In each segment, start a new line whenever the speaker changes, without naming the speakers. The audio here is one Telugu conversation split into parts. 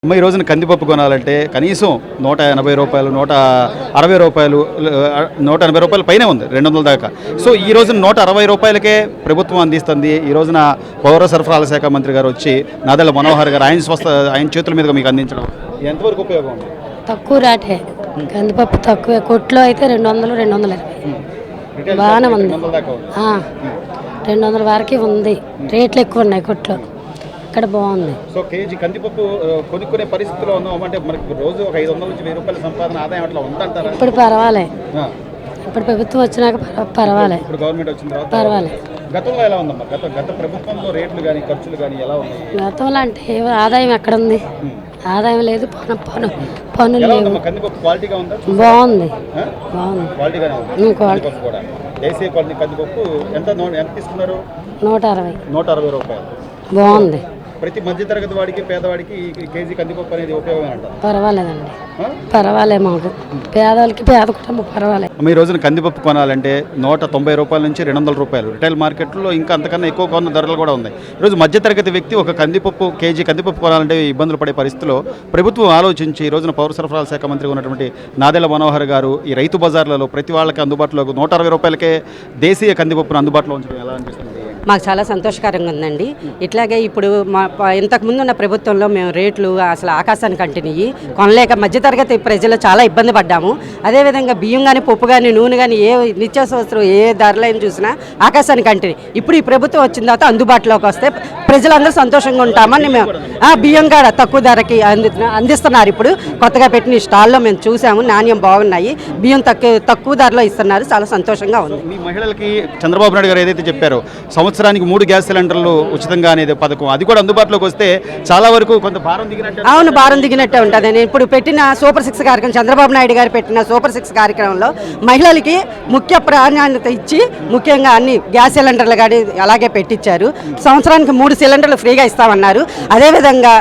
ఈ రోజున కందిపప్పు కొనాలంటే కనీసం రూ. 180, రూ. 160, రూ. 180 పైనే ఉంది, 200 దాకా. సో ఈ రోజున రూ. 160కే ప్రభుత్వం అందిస్తుంది. ఈ రోజున పౌర సరఫరాల శాఖ మంత్రి గారు వచ్చి నాదెళ్ల మనోహర్ గారు ఆయన చేతుల మీదుగా మీకు అందించడం ఎంతవరకు ఉపయోగం ఉంది?
తక్కువ రేటే కందిపప్పు తక్కువే. కొట్లో అయితే 200, 220 బాగానే ఉంది. 200 వరకు ఉంది. రేట్లు ఎక్కువ ఉన్నాయి కొట్లో. ఇక్కడ బాగుంది.
సో కేజీ కందిపప్పు కొనుక్కునే పరిస్థితిలో ఉన్నాం అంటే మనకి రోజు ఒక 500 నుంచి 1000 రూపాయల సంపాదన ఆదాయం అట్లా ఉందంటారా?
ఇప్పుడు పర్వాలే. ఇప్పుడు ప్రభుత్వం వచ్చినాక పర్వాలే.
ఇప్పుడు గవర్నమెంట్ వచ్చిన తర్వాత
పర్వాలే.
గతంలో ఎలా ఉందమ్మా? గత ప్రభుత్వంలో రేట్లు కానీ ఖర్చులు కానీ ఎలా ఉన్నాయి?
గతంలో అంటే ఆదాయం ఎక్కడ ఉంది? ఆదాయం లేదు, పనులు లేవు.
కందిపప్పు క్వాలిటీగా ఉందా?
బాగుంది, బాగుంది.
క్వాలిటీగానే ఉంది కందిపప్పు కూడా. దేశీయ క్వాలిటీ కందిపప్పు ఎంత తీసుకున్నారు?
160
రూపాయలు.
బాగుంది.
ప్రతి మధ్యతరగతి వాడికి పేదవాడికి కేజీ కందిపప్పు అనేది ఉపయోగమేనంట.
పర్వాలేదండి, పర్వాలే. మాకు పేదవాళ్ళకి పేద కుటుంబం పర్వాలే.
ఈ రోజున కందిపప్పు కొనాలంటే రూ. 190 నుంచి 200 రూపాయలు. రిటైల్ మార్కెట్లో ఇంకా అంతకన్నా ఎక్కువ కొన్న ధరలు కూడా ఉన్నాయి. ఈరోజు మధ్యతరగతి వ్యక్తి ఒక కేజీ కందిపప్పు కొనాలంటే ఇబ్బందులు పడే పరిస్థితిలో ప్రభుత్వం ఆలోచించి ఈ రోజున పౌర సరఫరాల శాఖ మంత్రి ఉన్నటువంటి నాదెళ్ల మనోహర్ గారు ఈ రైతు బజార్లలో ప్రతి వాళ్ళకి అందుబాటులో రూ. 160కే దేశీయ కందిపప్పును అందుబాటులో ఉంచడం ఎలా అనిపిస్తుంది?
మాకు చాలా సంతోషకరంగా ఉందండి. ఇట్లాగే ఇప్పుడు ఇంతకుముందు ఉన్న ప్రభుత్వంలో మేము రేట్లు అసలు ఆకాశానికి అంటినవి కొనలేక మధ్యతరగతి ప్రజలు చాలా ఇబ్బంది పడ్డాము. అదేవిధంగా బియ్యం కానీ, పప్పు కానీ, నూనె కానీ, ఏ నిత్యావసరం ఏ ధరలైనా చూసినా ఆకాశానికి అంటిని. ఇప్పుడు ఈ ప్రభుత్వం వచ్చిన తర్వాత అందుబాటులోకి వస్తే ప్రజలందరూ సంతోషంగా ఉంటామని మేము బియ్యం కాడ తక్కువ ధరకి అందిస్తున్నారు. ఇప్పుడు కొత్తగా పెట్టిన స్టాల్లో మేము చూసాము, నాణ్యం బాగున్నాయి. బియ్యం తక్కువ ధరలో ఇస్తున్నారు. చాలా సంతోషంగా ఉంది.
మీ మహిళలకి చంద్రబాబు నాయుడు గారు ఏదైతే చెప్పారో సంవత్సరానికి 3 గ్యాస్ సిలిండర్లు ఉచితంగా అనేది పథకం, అది కూడా అందుబాటులోకి వస్తే చాలా వరకు కొంత భారం దిగినట్టు.
అవును, భారం దిగినట్టే ఉంటుంది. నేను ఇప్పుడు పెట్టిన సూపర్ 6 కార్యక్రమం, చంద్రబాబు నాయుడు గారు పెట్టిన సూపర్ 6 కార్యక్రమంలో మహిళలకి ముఖ్య ప్రాధాన్యత ఇచ్చి ముఖ్యంగా అన్ని గ్యాస్ సిలిండర్లు కానీ అలాగే పెట్టించారు. సంవత్సరానికి 3 సిలిండర్లు ఫ్రీగా ఇస్తామన్నారు. అదేవిధంగా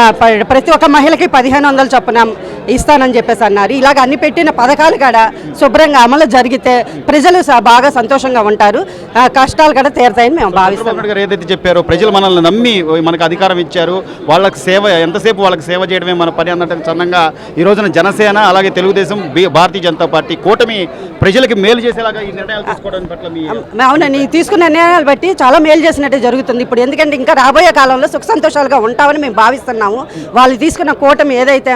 ప్రతి ఒక్క మహిళకి 1500 చొప్పున ఇస్తానని చెప్పేసి అన్నారు. ఇలాగ అన్ని పెట్టిన పథకాలు కూడా శుభ్రంగా అమలు జరిగితే ప్రజలు బాగా సంతోషంగా ఉంటారు, కష్టాలు కూడా తీరుతాయని మేము భావిస్తాం.
ఏదైతే చెప్పారో ప్రజలు మనల్ని నమ్మి మనకు అధికారం ఇచ్చారు, వాళ్ళకి సేవ ఎంతసేపు వాళ్ళకి సేవ చేయడమే మన పని అన్నట్టు చందంగా ఈ రోజున జనసేన అలాగే తెలుగుదేశం, భారతీయ జనతా పార్టీ కూటమి ప్రజలకి మేలు చేసేలాగా ఈ నిర్ణయాలు తీసుకోవడం పట్ల
అవునండి, తీసుకున్న నిర్ణయాలు బట్టి చాలా మేలు చేసినట్టే జరుగుతుంది ఇప్పుడు. ఎందుకంటే ఇంకా రాబోయే కాలంలో సుఖ సంతోషాలుగా ఉంటామని మేము భావిస్తున్నాము. వాళ్ళు తీసుకున్న కూటమి ఏదైతే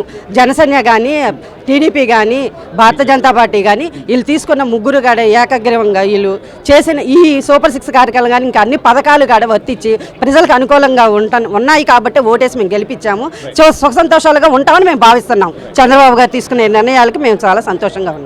జనసేన కానీ, టీడీపీ కానీ, భారతీయ జనతా పార్టీ కానీ వీళ్ళు తీసుకున్న ముగ్గురు కాడ ఏకగ్రీవంగా వీళ్ళు చేసిన ఈ సూపర్ 6 కార్యక్రమాలు కానీ ఇంకా అన్ని పథకాలు కాడ వర్తించి ప్రజలకు అనుకూలంగా ఉన్నాయి కాబట్టి ఓటేసి మేము గెలిపించాము. సుఖ సంతోషాలుగా ఉంటామని మేము భావిస్తున్నాం. చంద్రబాబు గారు తీసుకునే నిర్ణయాలకి మేము చాలా సంతోషంగా ఉన్నాం.